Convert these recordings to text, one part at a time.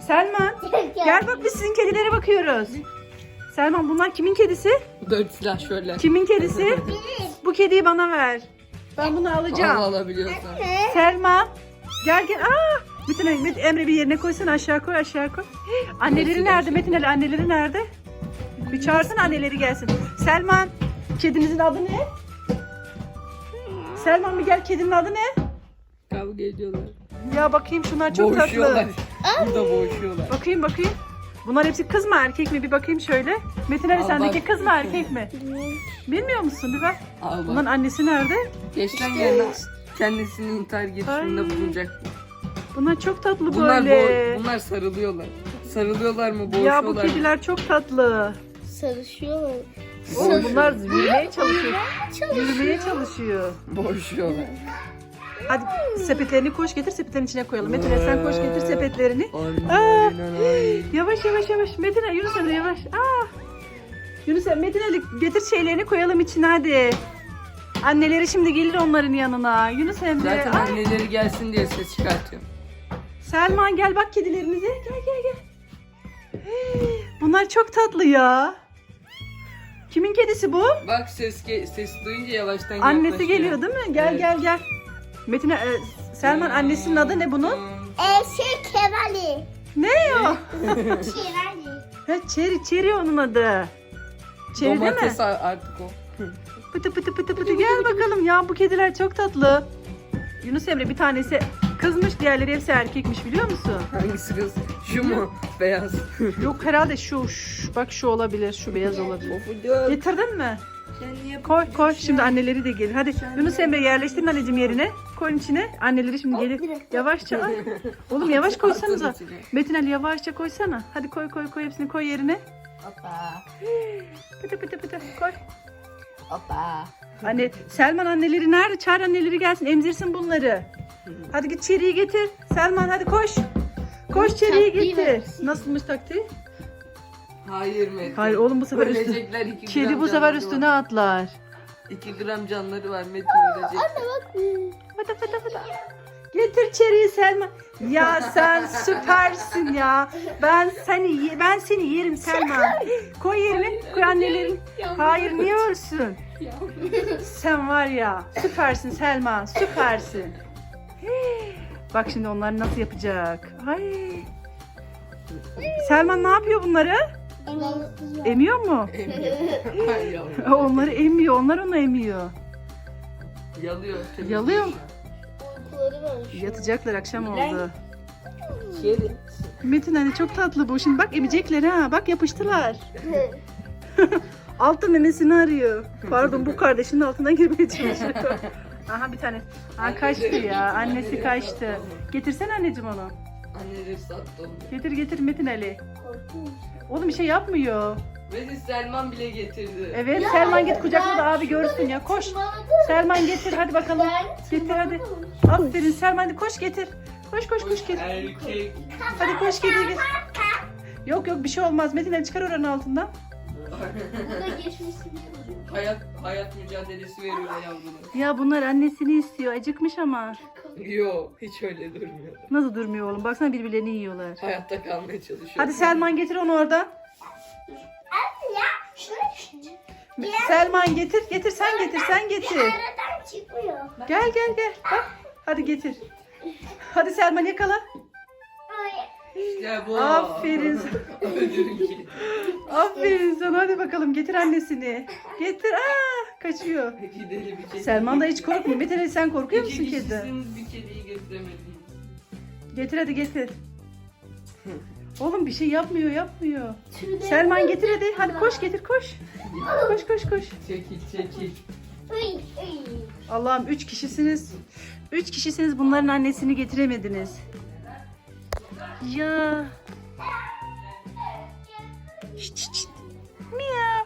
Selman gel bak biz sizin kedilere bakıyoruz. Selman bunlar kimin kedisi? Böyle silah şöyle. Kimin kedisi? Bu kediyi bana ver. Ben bunu alacağım. Alabiliyorsan. Selma gel gel. Metin Ali, Emre bir yerine koysana, aşağı koy. Anneleri nerede Metin Ali, anneleri nerede? Bir çağırsana anneleri gelsin. Selman kedinizin adı ne? Selman bir gel, kedinin adı ne? Kavga ediyorlar. Ya bakayım şunlar çok Boğuşuyorlar. tatlı. Burada boğuşuyorlar. Bakayım. Bunlar hepsi kız mı erkek mi, bir bakayım şöyle. Metin Ali Al sendeki bak. kız mı erkek mi? Bilmiyor musun, bir bak. Al Bunların bak. annesi nerede? Geçten yerine kendisini intihar girişiminde Ay. bulunacak. Bunlar çok tatlı Bunlar, böyle. bunlar sarılıyorlar. Sarılıyorlar mı, Ya boğuşuyorlar bu mı? kediler çok tatlı. Sarışıyorlar. Oğlum bunlar yürümeye çalışıyor. Yürümeye çalışıyor. Boğuşuyorlar. Hadi sepetlerini koş getir, sepetlerin içine koyalım. Metin Ali sen koş getir sepetlerini. Aynen. Yavaş. Metin Ali, Yunus Emre yavaş. Yunus Emre, Metin Ali getir şeylerini koyalım içine hadi. Anneleri şimdi gelir onların yanına. Yunus Emre. Zaten anneleri gelsin diye ses çıkartıyorum. Selman gel bak kedilerimize. Gel. Bunlar çok tatlı ya. Kimin kedisi bu? Bak ses duyunca yavaştan Annesi yaklaşıyor. geliyor değil mi? Gel Evet. gel. Metin Selman annesinin adı ne bunun? Kevali. Ne o? Kevali. Çeri onun adı. Çeri değil mi? Domates artık o. Pıtı gel bakalım ya, bu kediler çok tatlı. Yunus Emre bir tanesi kızmış, diğerleri hepsi erkekmiş, biliyor musun? Hangisi kız? Şu mu? Beyaz. Yok herhalde şu bak şu olabilir, şu beyaz olabilir. Getirdin mi? Koy şimdi anneleri de gelir. Hadi Yunus Emre yerleştirin anneciğim yerine. Koyun içine. Anneleri şimdi gelir. Yavaşça. Ay. Oğlum yavaş koysanıza. Atın içine. Metin Ali yavaşça koysana. Hadi koy hepsini koy yerine. Hoppa. Pıtı koy. Hoppa. Anne Selman anneleri nerede? Çağır anneleri gelsin, emzirsin bunları. Hadi git çeriği getir. Selman hadi koş. Koş çeriği Taktiği getir. ver. Nasılmış taktiği? Hayır Metin. Hayır oğlum, bu sefer Ölecekler, 2 Kedi gram bu sefer canları üstüne var. atlar. 2 gram canları var Metin ölecek. Fıtı. Getir çeriği Selman. Ya sen süpersin ya. Ben seni yerim Selman. Koy yerine. Koy annelerin. Hayır niye ölsün? Sen var ya süpersin Selman. Süpersin. Bak şimdi onlar nasıl yapacak. Ay. Selman ne yapıyor bunları? Emiyor mu? Emiyor. Hayır yavrum. Onları emiyor. Onlar onu emiyor. Yalıyor. Yalıyor mu? Uykuları var. Yatacaklar, akşam oldu. Kedi. Metin hani çok tatlı bu. Şimdi bak emecekler ha. Bak yapıştılar. Altı memesini arıyor. Pardon, bu kardeşinin altına girmeye çalışıyor. Aha bir tane. Kaçtı ya. Annesi kaçtı. Getirsene anneciğim onu. Anneleri sattı onu. Getir Metin Ali. Oğlum bir şey yapmıyor. Metin Selman bile getirdi. Evet Selman git kucakla da abi görsün ya. Koş. Selman getir hadi bakalım. Getir hadi. Aferin Selman, hadi koş getir. Koş getir. Erkek. Hadi koş getir. Yok bir şey olmaz. Metin Ali çıkar oranın altından. Burada geçmesini Hayat mücadelesi veriyor yavrular. Ya bunlar annesini istiyor. Acıkmış ama. Yo hiç öyle durmuyor. Nasıl durmuyor oğlum? Baksana birbirlerini yiyorlar. Hayatta kalmaya çalışıyor. Hadi Selman getir onu oradan. Şuraya Selman getir sen getir. aradan çıkmıyor. Gel. Bak. Hadi getir. Hadi Selman yakala. İşte bu. Aferin sana. Öldürün ki. Aferin sana. Hadi bakalım getir annesini. Getir. Kaçıyor. Gidelim bir kedi. Selman da hiç korkmuyor. Metin Ali sen korkuyor musun İki kedi? kişisiniz, bir kediyi getiremediniz. Getir hadi getir. Oğlum bir şey yapmıyor. Selman getir hadi. Hadi koş getir koş. Koş. Çekil. Allah'ım 3 kişisiniz. 3 kişisiniz, bunların annesini getiremediniz. Ya. Şşt. Miyav.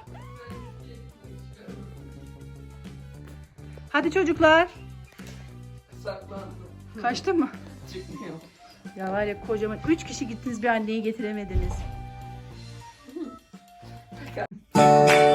Hadi çocuklar. Saklandı. Kaçtı mı? Çıkmıyor. Ya var ya, kocaman 3 kişi gittiniz, bir anneyi getiremediniz.